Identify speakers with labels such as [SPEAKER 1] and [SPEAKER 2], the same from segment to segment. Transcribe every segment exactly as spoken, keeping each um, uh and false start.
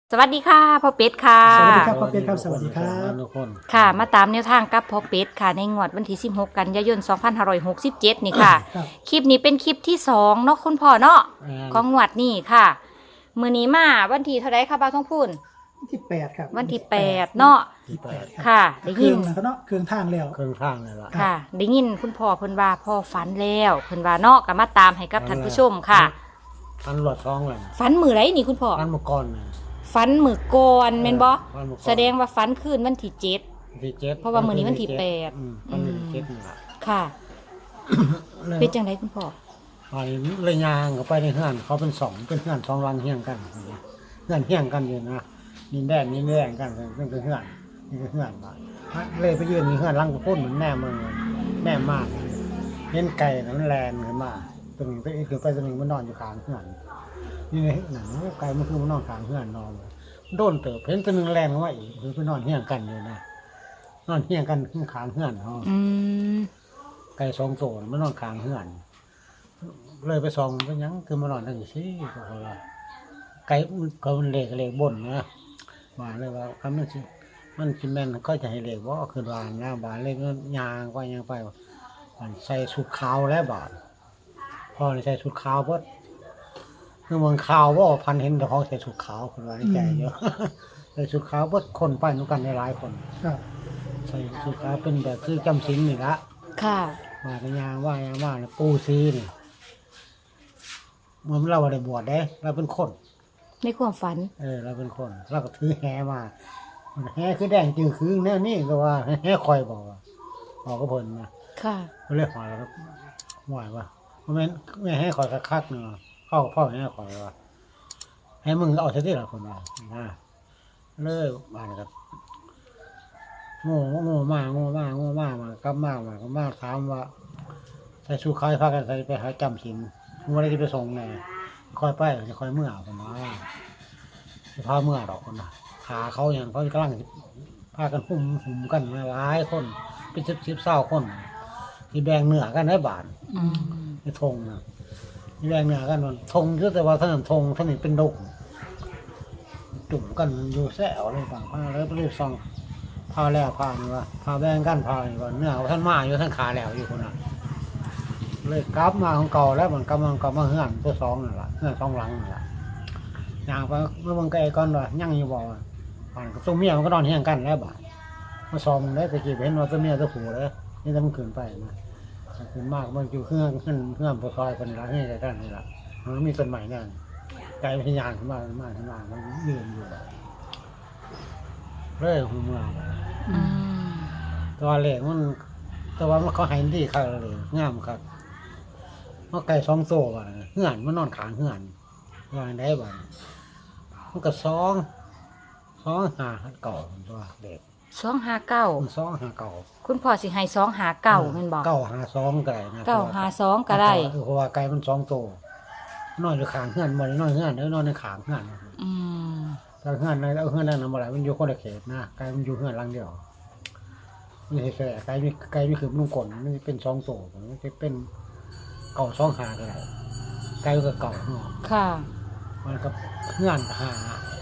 [SPEAKER 1] สวัสดีค่ะพ่อเป็ดค่ะ
[SPEAKER 2] สวัสดีครับพ่อเป็ดครับสวัสดีครับ
[SPEAKER 3] ทุกคน
[SPEAKER 1] ค่ะมาตามแนวทางกับพ่อเป็ดค่ะในงวดวันที่สิบหกกันยายนสองพันห้าร้อยหกสิบเจ็ดนี่ค่ะ
[SPEAKER 2] ครับ
[SPEAKER 1] คลิปนี้เป็นคลิปที่สองเนาะคุณพ่อเนาะ
[SPEAKER 3] อ่า
[SPEAKER 1] ของงวดนี้ค่ะมือนี้มาวันที่เท่าไรค่ะบ่าวท้องพูน
[SPEAKER 2] วันที่แปดครับ
[SPEAKER 1] วันที่แปดเนาะ
[SPEAKER 3] ที่แปด
[SPEAKER 1] ค่ะได้
[SPEAKER 2] เครื่
[SPEAKER 1] ยิ
[SPEAKER 2] อน งนะครับเนาะเครื่องทางแล้ว
[SPEAKER 3] เครื่องทางเลยล่ะ
[SPEAKER 1] ค่ะได้ยินคุณพ่อเพิ่นว่าพ่อฝันแล้วเพิ่นว่าเนาะก็มาตามให้กับท่านผู้ชมค่ะ
[SPEAKER 3] ทันหลอดท้องเลย
[SPEAKER 1] ฝันมือไรนี่คุณพ่อ
[SPEAKER 3] ทันมาก่อนน่ะ
[SPEAKER 1] ฝันมือก่อนแม่นบ่
[SPEAKER 3] ฝันมื้อก่อน
[SPEAKER 1] แสดงว่าฝันคืนวันที่เจ็ด
[SPEAKER 3] ที่เจ็ด
[SPEAKER 1] เพราะว่ามื้อนี้วันที่แปด
[SPEAKER 3] อืมวันที่เจ็ดนี่ล่ะ
[SPEAKER 1] ค่ะ
[SPEAKER 3] แล้ว
[SPEAKER 1] เป็นจังไดคุณพ่อ
[SPEAKER 3] ไปเลยยางเขาไปในเฮือนเขาเป็นสองเป็นเฮือนสองรังเฮียงกันเฮือนเฮียงกันอยู่นะนินแดนนินแดนกันเป็นเฮือนนี่คือเฮือนบ้านเลยไปยืนมีเฮือนรังกระพุ่นเหมือนแม่เมืองแม่มากเห็นไก่นะมันแลนขึ้นมาตัวหนึ่งตัวอีกคือไปตัวหนึ่งมันนอนอยู่ข้างเฮือนนี่ในหนังไก่มันคือมันนอนข้างเฮือนนอนโดนเติบเห็นตัวหนึ่งแลนขึ้นมาอีกคือไปนอนเฮียงกันอยู่นะนอนเฮียงกันข้างเฮือนเขา
[SPEAKER 1] อืม
[SPEAKER 3] ไก่สองตัวมันนอนข้างเฮือนเลยไปส่องไปยังคือมันนอนทั้งสี่ก็เพราะว่าไก่มันก็มันเล็กเล็กบนนะมาเลยว่าคำนั้นสิมันกินแม่นก็จะให้เล็กว่าคือวานนะบานเล็กยางไปยางไปมันใส่ชุดขาวแล้วบาดพอใส่ชุดขาวเพิ่นคือเมืองขาวว่าพันเห็นแต่ของใส่ชุดขาวคนว่าในใจเยอะ ใส่ชุดขาวเพิ่นคนไปนุกันในหลายคน
[SPEAKER 2] ครับ
[SPEAKER 3] ใส่ชุดขาวเป็นแบบคือจำศีลนี่ละ
[SPEAKER 1] ค่ะ
[SPEAKER 3] มากันยางว่ายางว่าเนี่ยปูซีนี่มันเราได้บวชได้เราเป็นคน
[SPEAKER 1] ในความฝัน
[SPEAKER 3] เออเราเป็นคนเราก็ถือแหมาแหคือแดงจืดคือแน่นี่ก็ว่าแหคอยบอกว่าบอกก็เพลินนะ
[SPEAKER 1] ค่ะ
[SPEAKER 3] ก็เลยหอยแล้วหอยว่าเพราะแม่แม่ให้คอยคักๆเนาะเข้าพ่อแม่คอยว่าให้มึงเอาเท่าที่ละคนมานะเลยมาเลยครับโง่โง่มากโง่มากโง่มากมากลับมากมากลับมากถามว่าใส่ชูคายพากันใส่ไปหาจำศีลมึงว่าอะไรจะไปส่งไงคอยไปจะคอยเมื่อคนนะจะพาเมื่อดอกคนนะขาเขาอย่างเขากำลังพากันหุ่มหุ่มกันมาหลายคนเป็นสิบสิบเศร้าคนที่แบ่งเนื้อกันได้บาท
[SPEAKER 1] อืม
[SPEAKER 3] ที่ธงนะที่แบ่งเนื้อกันมันธงคือแต่ว่าท่านธงท่านนี่เป็นดงจุ่มกันอยู่แซวเลยต่างพาแล้วไปเรียกซองพาแล้วพานี่ว่าพาแบ่งกันพานี่ว่าเนื้อท่านมาอยู่ท่านขาแล้วอยู่คนน่ะเลยกลับมาของเก่าแล้วมันกำลังกลับมาเฮือนตัวสองนั่นแหละเฮือนสองหลังนั่นแหละอย่างไปเมื่อวันไกลก่อนว่ายั่งอยู่บ่ว่าผ่านกับตัวเมียมันก็นอนเฮียงกันแล้วบ่ามาซอมได้ตะกี้เห็นว่าตัวเมียตัวผู้เลยนี่ถ้ามันขึ้นไปนะขึ้นมากมันอยู่เครื่องขึ้นเครื่องปลอยคนละเฮือนกันนี่แหละมันมีต้นใหม่นั่นไก่พยานขึ้นมาขึ้นมาขึ้นมามันยืนอยู่เลยหูเมือง
[SPEAKER 1] อืม
[SPEAKER 3] ตัวเล็กมันแต่ว่ามันเขาให้ดีครับเลยงามครับเพราะไก่สองตัวว่ะเหือนมันนอนขางเหือนวางได้บ่มันก็สองสองหาเก่าตัวเด็ก
[SPEAKER 1] สองห้าเก้า
[SPEAKER 3] มันสองหาเก่า
[SPEAKER 1] คุณพ่อสิให้สองหาเก้าแม่นบอก
[SPEAKER 3] เก้าหาสองก็ได้นะ
[SPEAKER 1] เก้าหาสองก็ได้
[SPEAKER 3] เพราะว่าไก่มันสองตัวนอนอยู่ขางเหือนมันนอนเหือนแล้วนอนในขางเหือน
[SPEAKER 1] อืม
[SPEAKER 3] แต่เหือนในเอาเหือนนั่นมาไหนมันอยู่คนละเขตนะไก่มันอยู่เหือนหลังเดียวไม่ใช่แค่ไก่มีไก่มีคือนุ่งกลนมันเป็นสองตัวมันจะเป็นเก่าสองหาก็ได้ไก่ก็เก่าเนาะ
[SPEAKER 1] ค่ะ
[SPEAKER 3] มันก็เหือนหา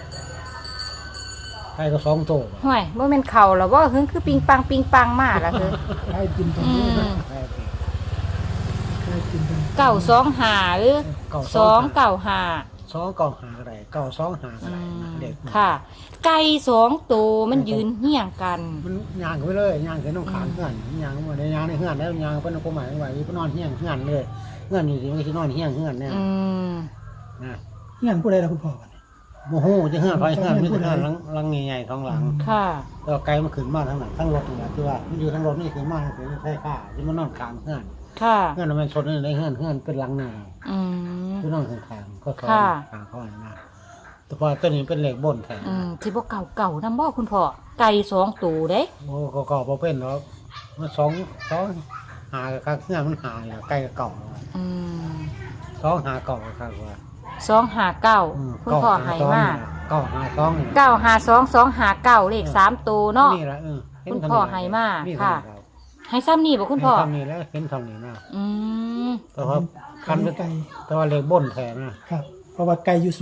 [SPEAKER 3] ไก่ก็สองตัว
[SPEAKER 1] ห่วยบ่แม่นเข่าหรอว่าเฮิงคือปิงปังปิงปังมากล่ะคือ
[SPEAKER 2] ได้กินตรง
[SPEAKER 1] อื
[SPEAKER 2] นี้
[SPEAKER 1] ม
[SPEAKER 2] นะ
[SPEAKER 3] ไก่
[SPEAKER 2] ได้กินตรงนี้
[SPEAKER 1] เก้าสองหาหรือ
[SPEAKER 3] เก่า
[SPEAKER 1] สองเก้าหา
[SPEAKER 3] สองเก่าหาก็ได้เก่าสองหาก็
[SPEAKER 1] อื
[SPEAKER 3] ได้
[SPEAKER 1] ม
[SPEAKER 3] เด็ก
[SPEAKER 1] ค่ะ ไก่สองตัวมันยืนเหี่ยงกัน
[SPEAKER 3] มันยางไปเลยยางเห็นน้องขางเหือนยางมาในยางในเหือนแล้วยางเป็นคนหมายว่าอีนอนเฮี้ยงเหือนเลยเหือนนี่สิมันคือนอนเฮี้ยงเหือนเนี่ย
[SPEAKER 1] อืม
[SPEAKER 3] นะ
[SPEAKER 2] เงี้ยผู้ใดล่ะคุณพ่อวะเนี่ย
[SPEAKER 3] โมโหจะเหือนไปเหือนไม่ใช่เหือนหลังหลังใหญ่ๆท้องหลัง
[SPEAKER 1] ค่ะ
[SPEAKER 3] แล้วไกลมันขึ้นมาทั้งหลังทั้งรถนี่แหละที่ว่ามันอยู่ทั้งรถนี่ขึ้นมาถึงใช่ค่าที่มันนอนขางเหือน
[SPEAKER 1] ค่ะ
[SPEAKER 3] เหือนมันชนในเหือนเหือนเป็นหลังหน้า
[SPEAKER 1] อืม
[SPEAKER 3] ที่นอนข้างๆก็ซ้อน
[SPEAKER 1] ค่ะ
[SPEAKER 3] ขางเขาหน้าแต่พอตัวนี้เป็นเหล็กบนแทน
[SPEAKER 1] อืมที่บ่เก่าเก่านำบ่คุณพ่อไก่สองตัวเด้
[SPEAKER 3] โอ้ก็ก็พอเป็นแล้วมันสองสองหากับเหือนมันหายใกล้กับเก่า
[SPEAKER 1] อืม
[SPEAKER 3] สองหาเก่าครับว่า
[SPEAKER 1] สองหาเก้า
[SPEAKER 3] อืม
[SPEAKER 1] คุณพ่อให้มา
[SPEAKER 3] เก้าหาสองนี่
[SPEAKER 1] เก้าหาสองสองหาเก้าเลขสามตัวเนาะ
[SPEAKER 3] นี่แหละเออเห็น
[SPEAKER 1] คุณ
[SPEAKER 3] เท่า
[SPEAKER 1] พ่อ
[SPEAKER 3] นี้
[SPEAKER 1] ให้มา
[SPEAKER 3] นี่
[SPEAKER 1] ค่ะ
[SPEAKER 3] เท่านี้รับ
[SPEAKER 1] ให้ซ้ำนี่บ่คุณพ่อ
[SPEAKER 3] เห็นเท่านี้แล้วเห็นเท่านี้นะ
[SPEAKER 1] อืม
[SPEAKER 3] แต่ว่าคันเป็น
[SPEAKER 2] ไก่
[SPEAKER 3] แต่ว่าเหล็กบนแทนนะครับ
[SPEAKER 2] เพราะว่าไก่อยู่สูง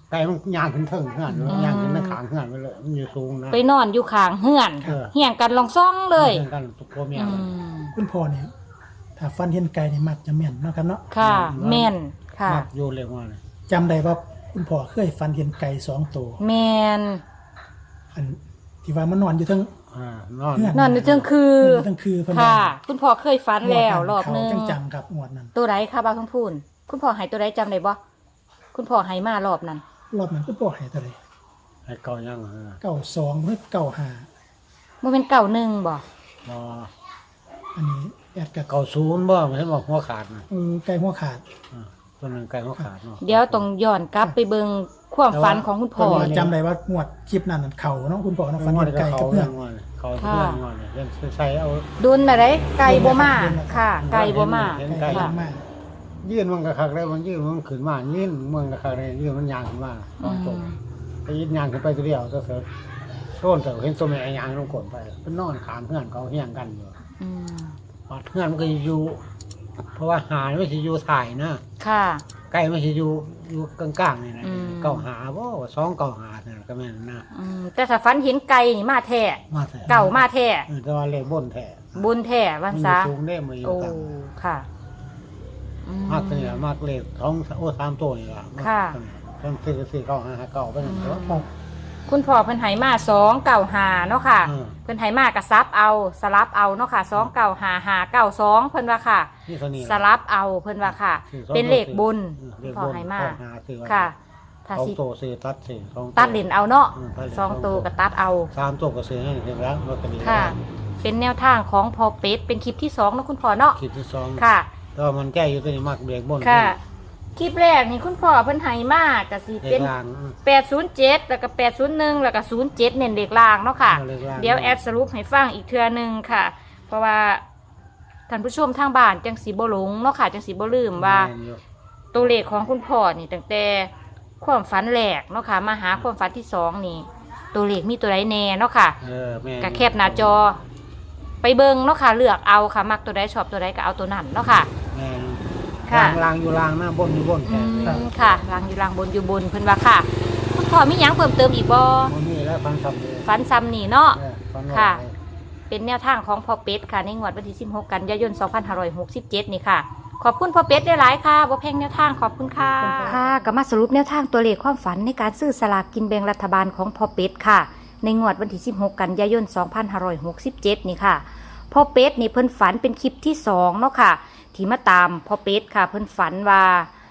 [SPEAKER 3] ไก่มันย่างขึ้นเทิงเฮือนย่างขึ้นในขางเฮือนไปเลยมันอยู่สูงนะ
[SPEAKER 1] ไปนอนอยู่ข้างเฮือน
[SPEAKER 3] เออ
[SPEAKER 1] เฮียงกันลองซ่องเลย
[SPEAKER 3] เฮือนกันทุกพ่อแม่
[SPEAKER 1] อื
[SPEAKER 3] เลย
[SPEAKER 1] ม
[SPEAKER 2] คุณพ่อเนี่ยถ้าฟันเห็นไก่นี่มักจะแม่นเนาะครับเนาะ
[SPEAKER 1] ค่ะแม่นค่ะ
[SPEAKER 3] มักโยนเร็วมาเลย
[SPEAKER 2] จำได้ว่าคุณพ่อเคยฟันเห็นไก่สองตัว
[SPEAKER 1] แม่น
[SPEAKER 2] อันที่ว่ามันนอนอยู่ทั้ง
[SPEAKER 3] อ่านอน
[SPEAKER 2] เฮือน
[SPEAKER 1] นอนอยู่เทิงคือน
[SPEAKER 2] อนอยู่ทั้งคือเพิ่น
[SPEAKER 1] ค่ะ
[SPEAKER 2] ว่า
[SPEAKER 1] คุณพ่อเคยฝันแล้วรอบนึง
[SPEAKER 2] เขาจังๆครับงวดนั้น
[SPEAKER 1] ตัวใดค่ะบ่าวทั้งพูนคุณพ่อใหายตัวใดจำได้บ่คุณพ่อใหายมารอบนั้น
[SPEAKER 2] รอบนั้นคุณพ่อให้เท่าไหร่
[SPEAKER 3] ให้เก่ายังเออ
[SPEAKER 2] เก้าสองเพื่อเก้าห้า
[SPEAKER 1] บ่เป็นเก่าหนึ่งบ่
[SPEAKER 3] รอ
[SPEAKER 2] อันนี้แอดกับ
[SPEAKER 3] เก่าศูนย์บ่ไม่ใช่บอกหัวขาดนะ
[SPEAKER 2] เออไก่หัวขาด
[SPEAKER 3] อ่าตัวหนึงไก่หัวขาดเนาะ
[SPEAKER 1] เดี๋ยวต้องย้อนกลับไปเบิ่งความฝันของคุณพ่อ
[SPEAKER 2] เพราะว่าจำได้ว่างวดคลิปนั้นน่ะเขาเนาะคุณพ่อเนาะฟัน
[SPEAKER 3] งวด
[SPEAKER 2] เห็น
[SPEAKER 3] ก็
[SPEAKER 2] ไก่
[SPEAKER 3] เขา
[SPEAKER 2] กับเพื่อ
[SPEAKER 3] เรื่อน งงวดเขาเพื่อนงวดเนี่ยเล่นใส่เอา
[SPEAKER 1] ดุนอะไรไก่บ่มาค่ะ ไก่บ่มา
[SPEAKER 3] เห็น
[SPEAKER 2] ไก่
[SPEAKER 3] ไก่
[SPEAKER 2] ย่างมาก
[SPEAKER 3] ยื่นมันก็คักได้มันยื่นมันขึ้นมายื่นมันก็คักได้ยื่นมันยางขึ้นมา
[SPEAKER 1] อืม
[SPEAKER 3] ตรงไปยื่นยางขึ้นไปตัวเดียวก็เสร็จโซนแต่เห็นตัวแม่ยางลงกดไปเป็นนอนขามเพื่อนเขาเฮี้ยงกันอยู่
[SPEAKER 1] อืม
[SPEAKER 3] ปัดเพื่อนมันก็อยู่ เพราะว่าหาไม่ใช่อยู่ถ่ายนะ
[SPEAKER 1] ค่ะ
[SPEAKER 3] ไก่ไม่ใช่อยู่อยู่กลางๆนี่นะ
[SPEAKER 1] อืม
[SPEAKER 3] เก่าหาบ่สองเก่าหาเนี่ยก็แม่นนะ
[SPEAKER 1] อืมแต่ถ้าฝันเห็นไก่นี่มาแท้
[SPEAKER 3] มาแท้
[SPEAKER 1] เก่ามาแท้
[SPEAKER 3] เออแต่ว่าเลขบนแท้
[SPEAKER 1] บุญแท้วัน
[SPEAKER 3] มันอ
[SPEAKER 1] ซะ
[SPEAKER 3] ยู่สูงได้มาอยู่
[SPEAKER 1] โอ้
[SPEAKER 3] กลาง
[SPEAKER 1] ค่ะอื
[SPEAKER 3] มากตัวนี้ล่ะมากเลขสองโอ้สามตัวนี่ล่ะ
[SPEAKER 1] ค่ะ
[SPEAKER 3] เพิ่นซื้อก็ซื้อเก่าหาหาเก่าไปนั่นเถอะ
[SPEAKER 2] ครับ
[SPEAKER 1] คุณพ่อเพิ่นไหมาสองเก่าหาเนาะค่ะ
[SPEAKER 3] อืม
[SPEAKER 1] เพิ่นไหมากระซับเอาสลับเอาเนาะค่ะสองเก่าหาหาเก่าสองเพิ่นว่าค่ะ
[SPEAKER 3] นี่เท่านี้
[SPEAKER 1] สลับเอาเพิ่นว่าค่ะ
[SPEAKER 3] ซื้อสอง
[SPEAKER 1] เป็นเลขบุญ
[SPEAKER 3] อืม
[SPEAKER 1] คุ
[SPEAKER 3] เล
[SPEAKER 1] ณ
[SPEAKER 3] ข
[SPEAKER 1] พ่อบ
[SPEAKER 3] น
[SPEAKER 1] ไหมา
[SPEAKER 3] เก่าหาซื้อไว้
[SPEAKER 1] ค่ะ ถ้า
[SPEAKER 3] สอง
[SPEAKER 1] สิ
[SPEAKER 3] ตัวซื้อตัดซื้อสอง
[SPEAKER 1] ตัดเหรียญเอาเนาะ
[SPEAKER 3] อืมตัดเหรียญ
[SPEAKER 1] สองตัวก็ตัดเอา
[SPEAKER 3] สามตัวก็ซื้อให้เห็นแล้วลอตเตอรี่
[SPEAKER 1] ค่ะ เป็นแนวทางของพอเป็ดเป็นคลิปที่สองเนาะคุณพ่อเนาะ
[SPEAKER 3] คลิปที่สอง
[SPEAKER 1] ค่ะ
[SPEAKER 3] แต่ว่ามันแก้อยู่ตัวนี้มากเบรกบน
[SPEAKER 1] ค่ะ คลิปแรกนี่คุณพ่อเพิ่นไหมากก็สิ
[SPEAKER 3] เล
[SPEAKER 1] เป็
[SPEAKER 3] ข
[SPEAKER 1] น
[SPEAKER 3] ล่างอืม
[SPEAKER 1] แปดศูนย์เจ็ดแล้วก็แปดศูนย์หนึ่งแล้วก็ศูนย์เจ็ดเน้นเลขล่างเนาะค่ะ
[SPEAKER 3] เอาเลขล่าง
[SPEAKER 1] เดี๋ยวแอดสรุปให้ฟังอีกเทื่อหนึงค่ะ เพราะว่าท่านผู้ชมทางบ้านจังสีบ่หลงเนาะค่ะจังสีบ่ลืมว่า
[SPEAKER 3] แม่นอยู่
[SPEAKER 1] ตัวเลขของคุณพ่อนี่ตั้งแต่ความฝันแรกเนาะค่ะมาหาความฝันที่สองนี่ ตัวเลขมีตัวใดแน่เนาะค่ะ
[SPEAKER 3] เออแม่น
[SPEAKER 1] ก็แคบหน้าจอ ไปเบิ่งเนาะค่ะเลือกเอาค่ะ มักตัวใดชอบตัวใดก็เอาตัวนั้นเนาะค่ะ
[SPEAKER 3] แม่น
[SPEAKER 1] ค่ะ
[SPEAKER 3] ล่างล่างอยู่ล่างหน้าบนอยู่บน
[SPEAKER 1] อื
[SPEAKER 3] แค่
[SPEAKER 1] มค่ะล่างอยู่ล่างบนอยู่บนเพิ่นว่าค่ะคุณพ่อมีหยังเพิ่มเติมอีกบ่
[SPEAKER 3] มันมีแล้วฟังคำเลย
[SPEAKER 1] ฝันซ้ำนี่เนาะ
[SPEAKER 3] เออฟังว่า
[SPEAKER 1] ค่ะ
[SPEAKER 3] ไป
[SPEAKER 1] เป็นแนวทางของพ่อเป็ดค่ะในงวดวันที่สิบหกกันยายนสองพันห้าร้อยหกสิบเจ็ดนี่ค่ะ ขอบคุณพ่อเป็ดได้หลายค่ะบ่แพงแนวทางขอบคุณค่ะค่ะก็มาสรุปแนวทางตัวเลขความฝันในการซื้อสลากกินแบ่งรัฐบาลของพ่อเป็ดค่ะ ในงวดวันที่สิบหกกันยายนสองพันห้าร้อยหกสิบเจ็ดนี่ค่ะพ่อเป็ดนี่เพิ่นฝันเป็นคลิปที่สองเนาะค่ะ ที่มาตามพ่อเป็ดค่ะ เพิ่นฝันว่า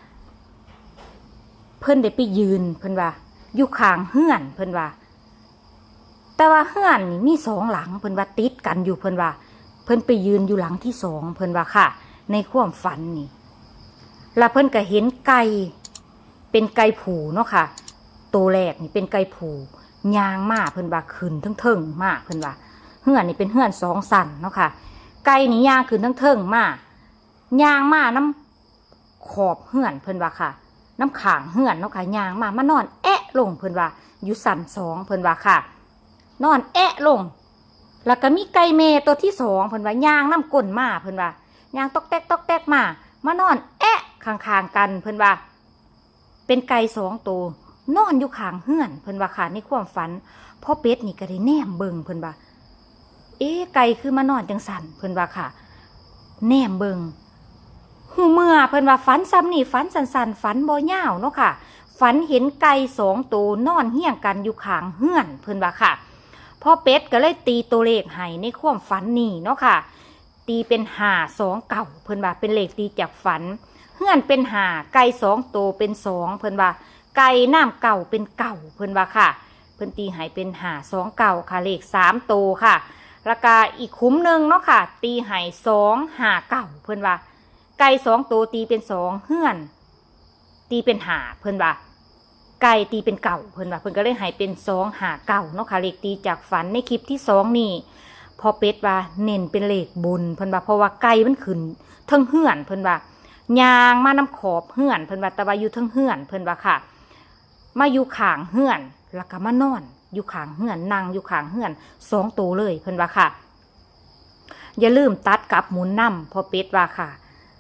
[SPEAKER 1] เพิ่นได้ไปยืนเพิ่นว่าอยู่ข้างเฮือนเพิ่นว่า แต่ว่าเฮือนนี่มีสองหลังเพิ่นว่าติดกันอยู่เพิ่นว่า เพิ่นไปยืนอยู่หลังที่สองเพิ่นว่าค่ะ ในความฝันนี่แล้วเพิ่นก็เห็นไก่เป็นไก่ผูเนาะค่ะตัวแรกนี่เป็นไก่ผูยางมาเพิ่นว่าขึ้นทั้งเทิงมาเพิ่นว่าเฮือนนี่เป็นเฮือนสองสันเนาะค่ะ ไก่นี่ยางขึ้นทั้งเทิงมายางมาน้ำขอบเฮือนเพิ่นว่าค่ะ น้ำขางเฮือนเนาะค่ะยางมามานอนแอะลงเพิ่นว่าอยู่สันสองเพิ่นว่าค่ะ นอนแอะลง แล้วก็มีไก่เมตัวที่สองเพิ่นว่ายางน้ำก้นมาเพิ่นว่ายางตอกแตกตอกแตกมามานอนแอะข้างๆกันเพิ่นว่า เป็นไก่สองตัวนอนอยู่ข้างเฮือนเพิ่นว่าค่ะในความฝันพ่อเป็ดนี่ก็ได้แนมเบิ่งเพิ่นว่า เอ๊ะไก่คือมานอนจังสันเพิ่นว่าค่ะ แนมเบิ่งหูเมื่อเพิ่นว่าฝันซ้ำนี่ฝันสันๆฝันบ่ยาวเนาะค่ะ ฝันเห็นไก่สองตัวนอนเฮี้ยงกันอยู่ข้างเฮือนเพิ่นว่าค่ะพ่อเป็ดก็เลยตีตัวเลขให้ในความฝันนี่เนาะค่ะ ตีเป็นห้าสองเก่าเพิ่นว่าเป็นเลขตีจากฝันเฮือนเป็นห้าไก่สองตัวเป็นสองเพิ่นว่า ไก่น้ำเก่าเป็นเก่าเพิ่นว่าค่ะ เพิ่นตีให้เป็นห้าสองเก่าค่ะเลขสามตัวค่ะแล้วก็อีกคุ้มหนึ่งเนาะค่ะ ตีให้สองห้าเก่าเพิ่นว่า ไก่สองตัวตีเป็นสองเฮือน ตีเป็นห้าเพิ่นว่า ไก่ตีเป็นเก่าเพิ่นว่าเพิ่นก็เลยให้เป็นสองหาเก่าเนาะค่ะเลขตีจากฝันในคลิปที่สองนี่พอเป็ดว่าเน้นเป็นเลขบุญเพิ่นว่าเพราะว่าไก่มันขึ้นเทิงเฮือนเพิ่นว่ายางมาน้ำขอบเฮือนเพิ่นว่าแต่ว่าอยู่เทิงเฮือนเพิ่นว่าค่ะ มาอยู่ข้างเฮือนแล้วก็มานอนอยู่ข้างเฮือนนั่งอยู่ข้างเฮือนสองตัวเลยเพิ่นว่าค่ะ อย่าลืมตัดกับหมุนนำพอเป็ดว่าค่ะ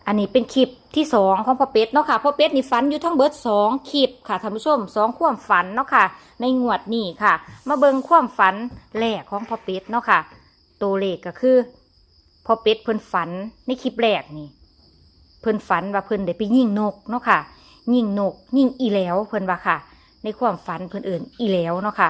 [SPEAKER 1] อันนี้เป็นคลิปที่สองของพ่อเป็ดเนาะค่ะพ่อเป็ดนี่ฝันอยู่ทั้งเบิดสองคลิปค่ะท่านผู้ชมสองความฝันเนาะค่ะในงวดนี้ค่ะ มาเบิ่งความฝันแรกของพ่อเป็ดเนาะค่ะตัวเลขก็คือพ่อเป็ดเพิ่นฝันในคลิปแรกนี่เพิ่นฝันว่าเพิ่นได้ไปยิงนกเนาะค่ะยิงนกยิงอีแหล้วเพิ่นว่าค่ะ ในความฝันเพิ่นเอิ่นอีแหล้วเนาะค่ะ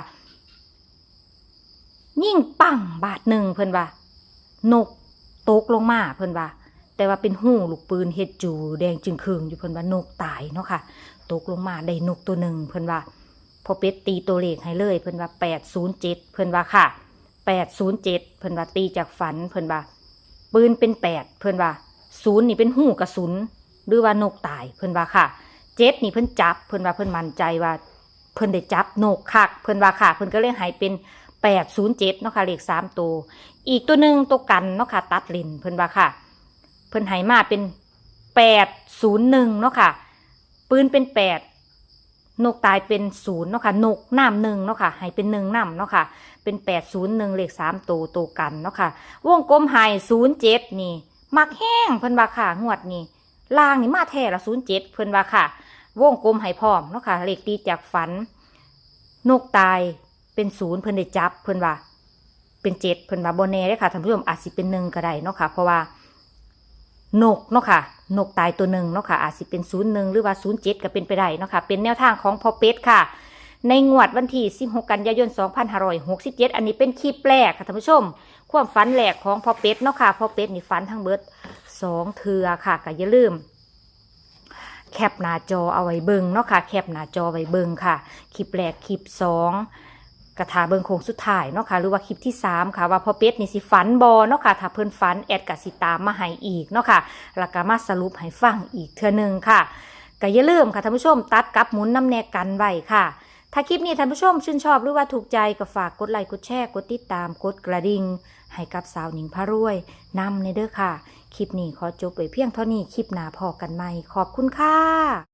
[SPEAKER 1] ยิงปังบาทหนึ่งเพิ่นว่านกตกลงมาเพิ่นว่าแต่ว่าเป็นหูลูกปืนเฮ็ดจูแดงจึงคืงอยู่เพิ่นว่านกตายเนาะค่ะตกลงมาได้นกตัวหนึ่งเพิ่นว่าพอเป็ดตีตัวเลขให้เลยเพิ่นว่าแปดศูนย์เจ็ดเพิ่นว่าค่ะแปดศูนย์เจ็ดเพิ่นว่าตีจากฝันเพิ่นว่าปืนเป็นแปดเพิ่นว่าศูนย์นี่เป็นหูกระสุนหรือว่านกตายเพิ่นว่าค่ะเจ็ดนี่เพิ่นจับเพิ่นว่าเพิ่นมั่นใจว่าเพิ่นได้จับนกคักเพิ่นว่าค่ะเพิ่นก็เลยให้เป็นแปดศูนย์เจ็ดเนาะค่ะเลขสามตัวอีกตัวหนึ่งตัวกันเนาะค่ะตัดเลนเพิ่นว่าค่ะเพิ่นให้มาเป็นแปดศูนย์หนึ่งเนาะค่ะปืนเป็นแปดนกตายเป็นศูนย์เนาะค่ะนกน้ำหนึ่งเนาะค่ะให้เป็นหนึ่งน้ำเนาะค่ะเป็นแปดศูนย์หนึ่งเลขสามตัวตัวกันเนาะค่ะวงกลมให้ศูนย์เจ็ดนี่มักแห้งเพิ่นว่าค่ะงวดนี้ล่างนี่มาแท้ละศูนย์เจ็ดเพิ่นว่าค่ะวงกลมให้พร้อมเนาะค่ะเลขตีจากฝันนกตายเป็นศูนย์เพิ่นได้จับเพิ่นว่าเป็นเจ็ดเพิ่นว่าโบแน่ได้ค่ะท่านผู้ชมอาจสิเป็นหนึ่งก็ได้เนาะค่ะเพราะว่านกเนาะค่ะนกตายตัวหนึ่งเนาะค่ะอาจสิเป็นศูนย์หนึ่งหรือว่าศูนย์เจ็ดก็เป็นไปได้เนาะค่ะเป็นแนวทางของพ่อเป็ดค่ะในงวดวันที่สิบหกกันยายนสองพันห้าร้อยหกสิบเจ็ดอันนี้เป็นคลิปแรกค่ะท่านผู้ชมความฝันแรกของพ่อเป็ดเนาะค่ะพ่อเป็ดนี่ฝันทั้งเบิดสองเทือค่ะก็อย่าลืมแคปหน้าจอเอาไว้เบิ่งเนาะค่ะแคปหน้าจอไว้เบิ่งค่ะคลิปแรกคลิปสองกระถาเบิ่งโค้งสุดท้ายเนาะค่ะหรือว่าคลิปที่สามค่ะว่าพ่อเป็ดนี่สิฝันบอเนาะค่ะถ้าเพิ่นฝันแอดกสิตามมาให้อีกเนาะค่ะแล้วก็มาสรุปให้ฟังอีกเทื่อนึงค่ะก็อย่าลืมค่ะท่านผู้ชมตัดกับหมุนน้ำแนกกันไว้ค่ะถ้าคลิปนี้ท่านผู้ชมชื่นชอบหรือว่าถูกใจก็ฝากกดไลค์กดแชร์กดติดตามกดกระดิ่งให้กับสาวหนิงพารวยนำในเด้อค่ะคลิปนี้ขอจบไว้เพียงเท่านี้คลิปหน้าพอกันใหม่ขอบคุณค่ะ